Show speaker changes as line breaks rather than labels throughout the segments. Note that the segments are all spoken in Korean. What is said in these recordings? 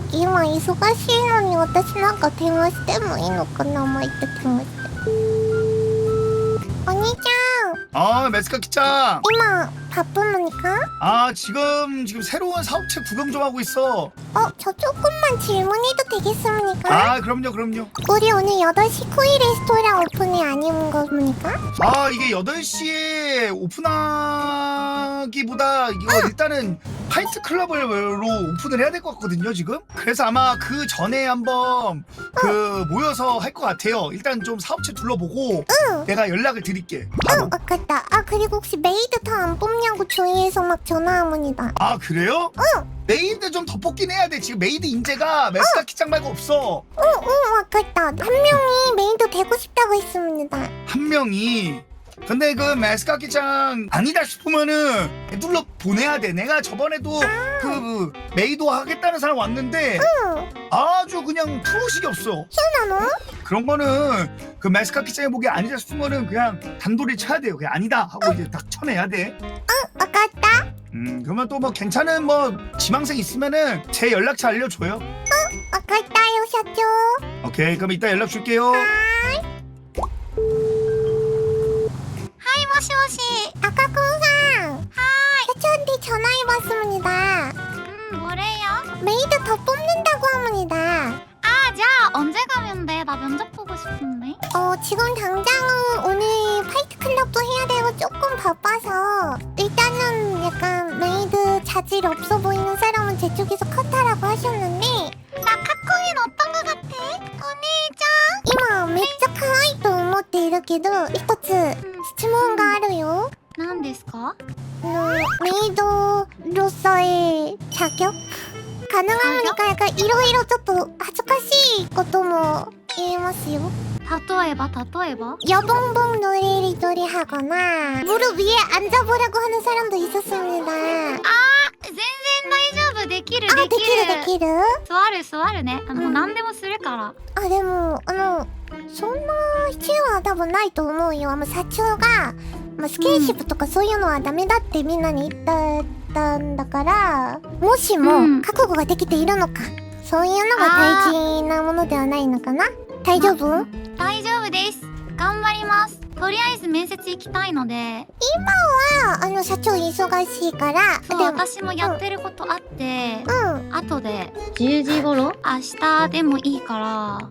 今忙しいのに私なんか電話してもいいのかなもう言って電話して。お兄ち
아, 메스카키짱.
ゃん今바쁘니까?
아, 지금 새로운 사업체 구경 좀 하고 있어.
저 조금만 질문해도 되겠습니까?
아, 그럼요.
우리 오늘 8시 코이 레스토랑 오픈이 아닌 겁니까?
아, 이게 8시에 오픈하기보다 이거 일단은 파이트 클럽으로 오픈을 해야 될 것 같거든요, 지금. 그래서 아마 그 전에 한번 모여서 할 것 같아요. 일단 좀 사업체 둘러보고 내가 연락을 드릴게. 바로.
아깝다. 그리고 혹시 메이드 다 안 뽑냐고 주위에서 막 전화합니다.
아, 그래요? 메이드 좀 더 뽑긴 해야 돼. 지금 메이드 인재가 메스카키짱 말고 없어.
아깝다. 한 명이 메이드 되고 싶다고 했습니다.
한 명이. 근데 그 메스카키짱 아니다 싶으면은 둘러 보내야 돼. 내가 저번에도 그 메이도 하겠다는 사람 왔는데 아주 그냥 프로식이 없어.
희한하노?
그런 거는 그 메스카키짱의 보기 아니다 싶으면은 그냥 단도리 쳐야 돼요. 그냥 아니다 하고 이제 딱 쳐내야 돼.
아깝다.
그러면 또 뭐 괜찮은 뭐 지망생 있으면은 제 연락처 알려줘요.
아깝다요 샤쭈.
오케이, 그럼 이따 연락 줄게요.
하이 모시모시. 아까콩상. 하이. 샤쭈한테 전화해봤습니다.
뭐래요?
메이드 더 뽑는다고 합니다.
아, 자, 언제 가면 돼? 나 면접 보고 싶은데.
지금 당장은 오늘 파이트 클럽도 해야 되고 조금 바빠서 일단은 약간 메이드 자질 없어 보이는 사람은 제 쪽에서 컷하라고 하셨는데
나 카코인 어떤 거 같아? 언니짱?
今めっちゃ可愛いと思っているけど一つ質問があるよ。
何ですか?
메이드로서의 자격? 가능합니까? 약간 이러이러 조금恥ずかしいことも言えますよ.
例えば?
여봉봉 노래리돌이 하거나 무릎 위에 앉아보라고 하는 사람도 있었습니다.
아, 全然大丈夫。できる。
できる
座るね。もう何でもするから。
でもそんな必要は多分ないと思うよ。社長が、スキンシップとかそういうのはダメだってみんなに言ったんだから、もしも覚悟ができているのか、そういうのが大事なものではないのかな。大丈夫？
大丈夫です。頑張ります。とりあえず面接行きたいので。
今は社長忙しいから。
そう、私もやってることあって、後で
10時頃？
明日でもいいから。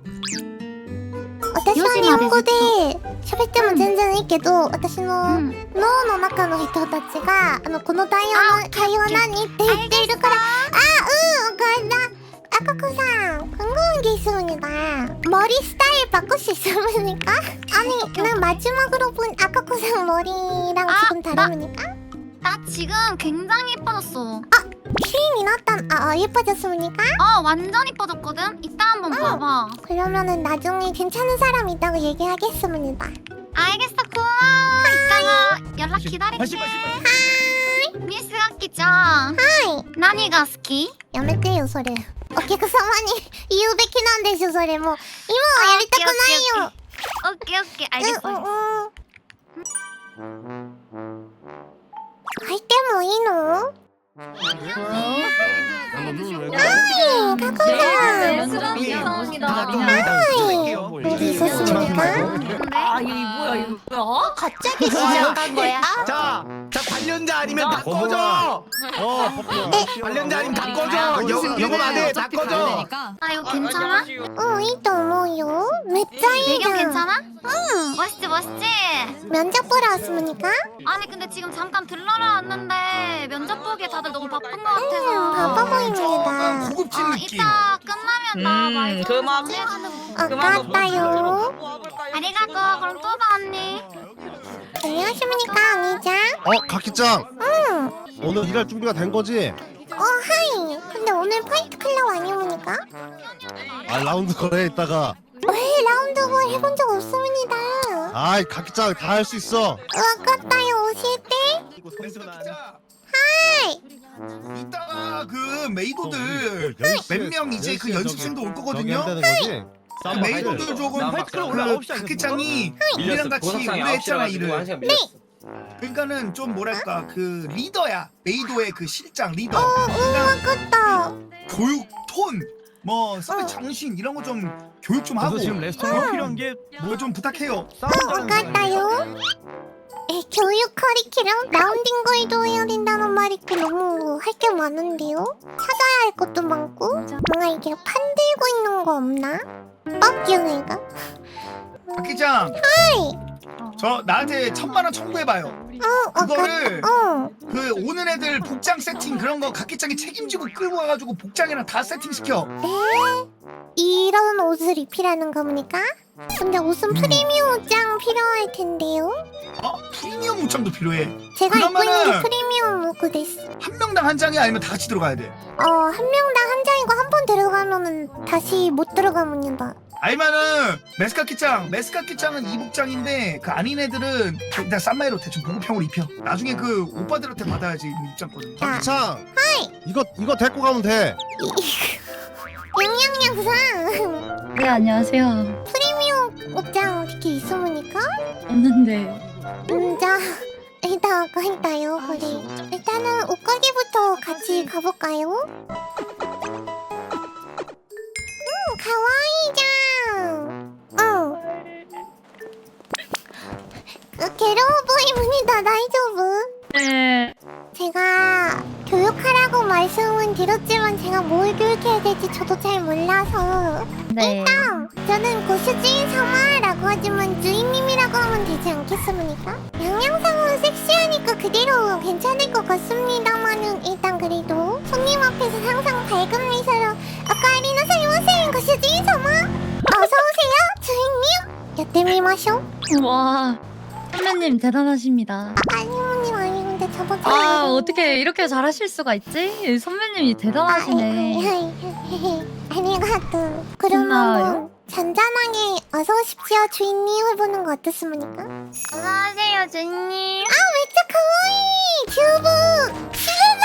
私は日本語で喋っても全然いいけど、私の脳の中の人たちがこの会話何って言っているから。아까콩상 궁금한 머리 스타일 바꿀 수 있습니까? 아니, 난 마지막으로 본 아까콩상 머리랑 지금 다릅니까?
나 지금 굉장히 예뻐졌어.
퀸이 났다. 예뻐졌습니까?
완전 예뻐졌거든? 이따 한번 봐봐.
그러면은 나중에 괜찮은 사람 있다고 얘기하겠습니다.
알겠어, 고마워. 이따가 연락 기다릴게. 미스가키짱.
하이.
何が好き?
やめてよそれ。お客様に言うべきなんでしょそれ。もう今はやりたくないよ。
オッケーオッケー、알겠어.
入ってもいいの？어디 있었습니까?
이게 뭐야 이거?
갑자기 시작한 거야?
자, 관련자 아니면 다 꺼져. 관련자 아니면 다 꺼져. 영업 안 해, 다 꺼져.
아, 이거 괜찮아?
いいと思うよ。めっちゃいいじ
배경
ゃん。
괜찮아? 멋있지?
면접 보러 왔습니까?
아니 근데 지금 잠깐 들러러 왔는데 면접 보기에 다들 너무 바쁜 것 같아서.
바빠 보입니다.
고급진 느낌.
이따 끝나면 나 말 좀 전해주는 거.
아깝다요.
아리가또. 그럼 또 봐 언니.
안녕하십니까 언니장?
가키짱. 오늘 일할 준비가 된 거지?
하이. 근데 오늘 파이트 클럽 아니옵니까?
라운드 거래 있다가.
왜 라운드볼 해본 적 없습니다.
가키짱 다 할 수 있어.
아깝다요. 오실 때? 하이.
이따가 그 메이도들 몇 명 이제 그 연습생도 올 거거든요. 그 메이도들 조금 그 가키짱이 우리랑 같이 오래 했잖아 일을. 그러니까는 좀 뭐랄까 그 리더야. 메이도의 그 실장 리더.
아깝다.
교육 톤 뭐 서비스 정신 이런 거 좀 교육 좀 하고
지금 레스토랑 필요한 게
뭐 좀 부탁해요.
알았다요. 교육 커리큘럼 라운딩 걸도 해야 된다는 말이 있고 너무 할 게 많은데요? 찾아야 할 것도 많고 뭔가 이게 판 들고 있는 거 없나? 뻑경이가?
박기장. 저 나한테 1000만원 청구해봐요. 그거를 그 오는 애들 복장 세팅 그런 거 각기장이 책임지고 끌고 와가지고 복장이랑 다 세팅시켜.
이런 옷을 입히라는 겁니까? 근데 옷은 프리미엄 옷장 필요할 텐데요?
프리미엄 옷장도 필요해.
제가 입고 있는 게
그러면은
프리미엄 옷고 됐어.
한 명당 한 장이 아니면 다 같이 들어가야 돼.
한 명당 한 장이고 한 번 들어가면은 다시 못 들어갑니다.
아니면은 메스카키짱은 이 복장인데 그 아닌 애들은 일단 쌈마이로 대충 보급형으로 입혀. 나중에 그 오빠들한테 받아야지 입장권을.
박기창. 이거 데리고 가면 돼.
양양양상
네 안녕하세요.
프리미엄 옷장 어떻게 있습니까?
없는데.
자 일단 아까 했다요. 그래. 일단은 옷가게부터 같이 가볼까요? 가와이장. 괴로워 보이문이다. 다이조브.
네.
제가 교육하라고 말씀은 드렸지만 제가 뭘 교육해야 될지 저도 잘 몰라서
네.
저는 고수주인 사마라고 하지만 주인님이라고 하면 되지 않겠습니까? 양양상은 섹시하니까 그대로 괜찮을 것 같습니다만은 일단 그래도 손님 앞에서 항상 밝은 미소로 아까리나 사이마셍 고수주인 사마 어서오세요 주인님 여태미마쇼.
와 선배님 대단하십니다.
아니모님 아니근데 저번 주에
아 어떻게 이렇게 잘하실 수가 있지? 선배님이 대단하시네.
아리가또. 그럼
고마워요.
한번 잔잔하게 어서 오십시오 주인님 해보는 거 어떻습니까?
안녕하세요 주인님.
진짜 가와이 튜브 시르나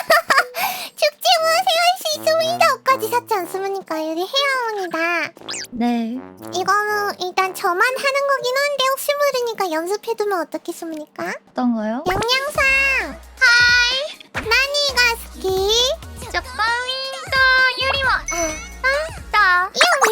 축제와 생활 수 있습니다. 옷까지 샀지 않습니까? 여기 헤어온이다.
네.
이거는 일단 저만 하는 거긴 한데 혹시 모르니까 연습해두면 어떻겠습니까?
어떤 거요?
양양상 하이 나니가 스키
진짜 빠윈다 유리와.
나 이거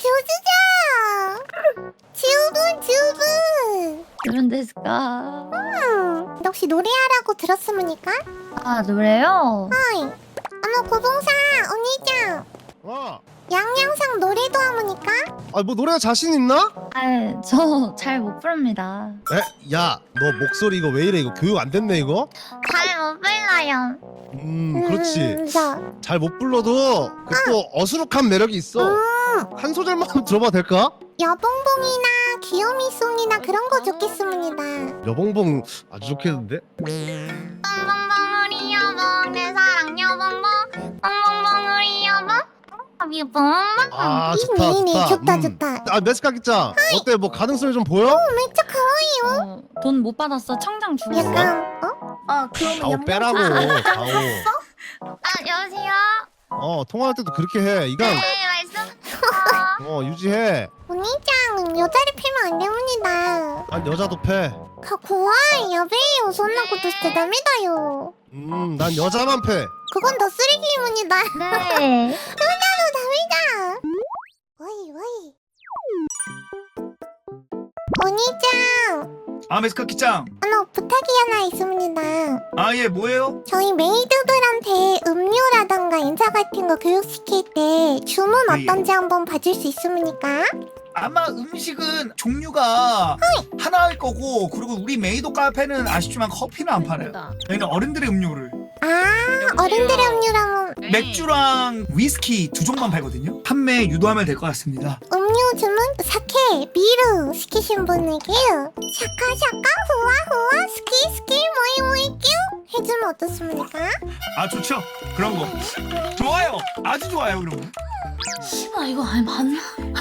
진짜 교수자 튜브
그런 데스까?
혹시 노래하라고 들었습니까?
아 노래요?
하이 어머 고봉사 언니짱 양양상 노래도 하모니까?
뭐 노래가 자신 있나?
아저 잘 못 부릅니다.
야, 너 목소리 이거 왜 이래? 이거 교육 안 됐네 이거?
잘 못 불러요.
그렇지.
자,
잘 못 불러도 그 또 어수룩한 매력이 있어. 한 소절만 들어봐도 될까?
여봉봉이나 귀요미송이나 그런 거 좋겠습니다.
여봉봉 아주 좋겠는데?
뻥뻥뻥 우리 여봉 내 사랑 여봉봉 뻥뻥뻥 우리 여봉 여봉.
아 좋다 좋다.
좋다.
메스카키짱 어때? 뭐 가능성이 좀 보여?
진짜 가와이요.
돈 못 받았어. 청장 주고.
약간
가오 빼라고 가오.
여보세요.
통화할 때도 그렇게 해. 이건
네 말씀.
유지해.
언니짱 여자를 패면 안 됩니다.
난 여자도 패.
고와이 여배요 손나 것도 진짜 남이다요.
난 여자만 패.
그건 더 쓰레기입니다.
네.
여자도 남이다. 와이. 언니짱
메스카키짱.
하나 부탁이 하나 있습니다.
예 뭐예요?
저희 메이드들한테 음료라던가 인사 같은 거 교육시킬 때 주문
예.
어떤지 한번 봐줄 수 있습니까?
아마 음식은 종류가 하나일 거고 그리고 우리 메이도 카페는 아쉽지만 커피는 안 팔아요. 저희는 어른들의 음료를
어른들의 음료라면
맥주랑 위스키 두 종만 팔거든요. 판매 유도하면 될 것 같습니다.
음료 주문 사케, 미루 시키신 분에게 샤카 후아 스키 모이 뀨 해주면 어떻습니까?
좋죠. 그런 거 좋아요. 아주 좋아요. 그런 거
이거 맞나?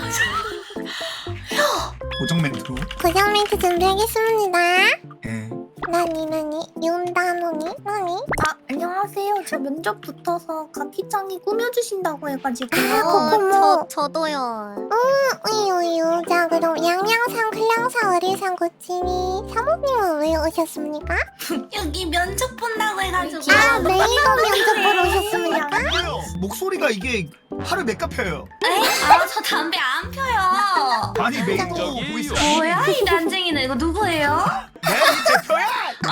고정 멘트로.
고정 멘트 준비하겠습니다.
예.
나니 윤다노니 나니?
안녕하세요. 저 면접 붙어서 가키짱이 꾸며주신다고 해가지고.
코코모
저도요.
우유 자 그럼 양양상 클랑사 어리상 고치니 사모님은 왜 오셨습니까?
여기 면접 본다고 해가지고.
메이더 면접 보러 오셨습니까?
목소리가 이게 하루 몇 갑 펴요?
저 담배 안 펴요.
아니 메이도 보이스.
뭐야 이 난쟁이는 이거 누구예요?
내 대표야.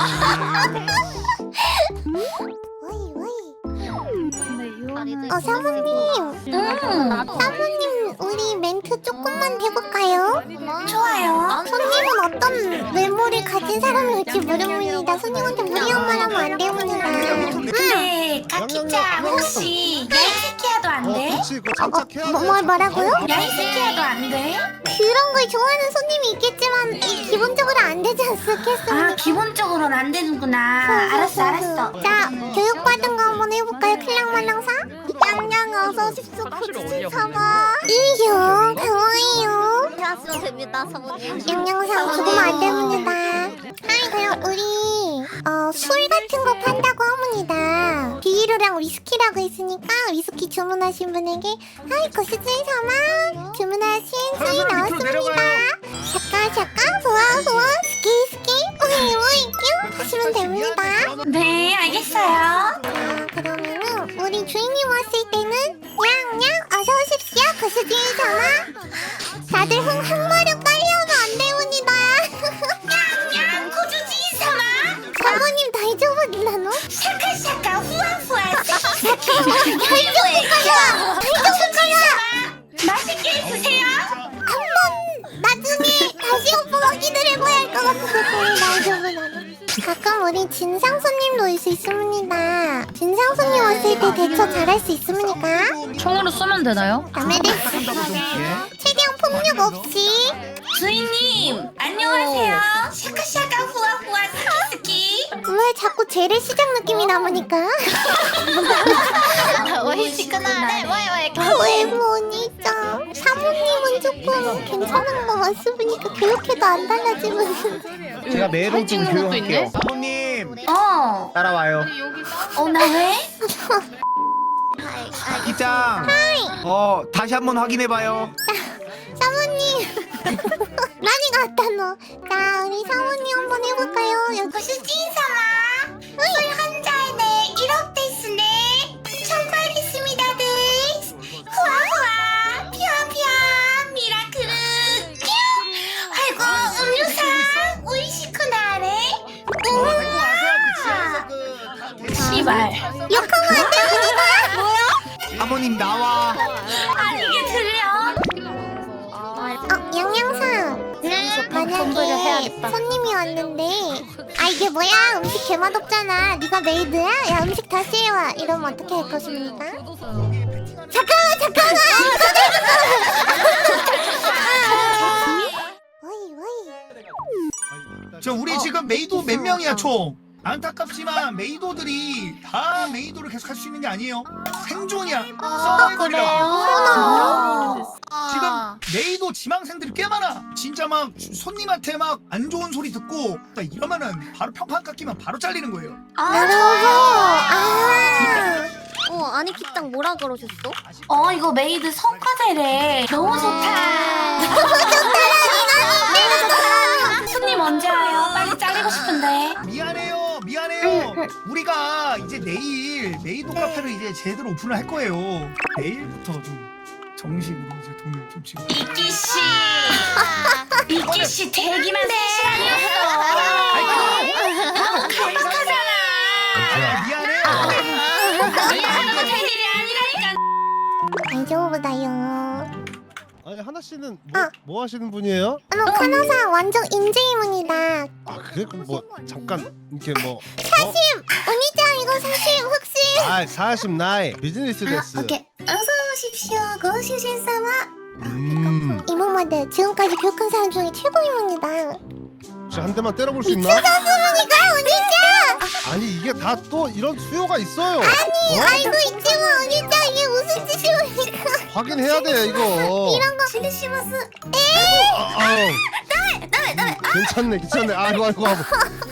와이 와이.
근데
사모님. 사모님 우리 멘트 조금만 해볼까요?
좋아요.
손님은 어떤 외모를 가진 사람일지 모릅니다. 손님한테 무리한 말 하면 안 됩니다.
근데 가키짱 혹시 야이스키야도 안 돼?
그렇지 그거 장착해야 돼.
뭐라고요?
야이스키야도 안 돼?
그런 걸 좋아하는 손님이 있겠지만 기본적으로 안 되지 않겠습니까?
아 기본적으로는 안 되는구나. 알았어.
자, 교육받은 거 한번 해볼까요? 클랑말랑사? 양양 어서 오십시오. 고추진 사마. 이형 강화이요.
안녕하십니까 사모님.
양양상 죽으면 안 됩니다. 하이 그럼 우리 술 같은 거 판다고 합니다. 비ール랑 위스키라고 했으니까 위스키 주문하신 분에게 하이 고추진 사마 주문하신 술이 나왔습니다. 샤까 후아 스키 오이 뀨 하시면 됩니다.
네 알겠어요.
자 그러면은 우리 주인님 왔을 때는 냥냥 어서 오십시오 고수진 사마. 다들 한 마력 깔려면 안 됩니다.
냥 고주지 사마.
사모님 다이저브나노?
샤카샤카 후아후아 맛있게 드세요.
한번 나중에 다시 오빠가 기다려봐야 할 것 같은데 다이저브나노. 가끔 우리 진상 손님도 올 수 있습니다. 진상 손님 왔을 때 대처 잘할 수 있습니까?
총으로 쏘면 되나요?
남의 최대한 폭력 없이.
주인님 안녕하세요. 샤카샤카 후아후아 스키스키.
왜 자꾸 재래 시작 느낌이 남으니까?
시끄나네.
외모니까 사모님은 조금 괜찮은 거 맞습니까? 교육해도 안 달라지면.
제가 매로 좀 교육할게요. 사모님 따라와요.
나 왜?
기장. 다시 한번 확인해봐요.
사모님 많이 갔다 너. 자 우리 사모님 한번 해볼까요? 여기
고수진様 술 한 잔에 1억 데스네. 정말 있습니다 데스. 후아후아 피아피아 미라클 뀨. 아이고 음료사 오이시쿠나래. 씨발
욕하면 안 됩니다.
사모님 나와.
아니 이게 들려?
양양상 만약에 손님이 왔는데 이게 뭐야 음식 개맛없잖아 네가 메이드야? 야 음식 다시 해와 이러면 어떻게 할 것입니까? 잠깐만 어이
저 우리 지금 메이도 몇 명이야 총? 안타깝지만 메이도들이 다 메이도를 계속 할 수 있는 게 아니에요. 생존이야. 서바이벌이야. 지금 메이도 지망생들이 꽤 많아. 진짜 막 손님한테 막 안 좋은 소리 듣고 딱 이러면은 바로 평판 깎이면 바로 잘리는 거예요.
아니 기장 뭐라 그러셨어?
이거 메이드 성과제래. 너무 좋다. 손님 언제 와요? 빨리 잘리고 싶은데.
미안해요. 우리가 이제 내일 메이도 카페를 이제 제대로 오픈을 할 거예요. 내일부터 좀 정식으로 이제 돈을 좀 지금.
이끼씨 대기만 3시간이었어. 너무 갈박하잖아.
미안해.
이해하는 거 될 일이 아니라니까.
다이저브다요.
아니 하나 씨는 뭐 하시는 분이에요?
카나사 완전 인재이문이다.
그래 그럼 뭐 잠깐 이렇게 뭐
언니짱 이거 사실 혹시
사십 나이 비즈니스 데스.
오케이 어서 오십시오 고시신사마. 이모마들 지금까지 교육한 사람 중에 최고입니다.
혹시 한 대만 때려볼 수 있나?
미친놈이니까 언니짱.
아니 이게 다 또 이런 수요가 있어요.
알고 있지만 언니짱 이게 무슨 짓입니까?
확인해야 돼 이거.
이런 거 실리시마스.
괜찮네. 아이고.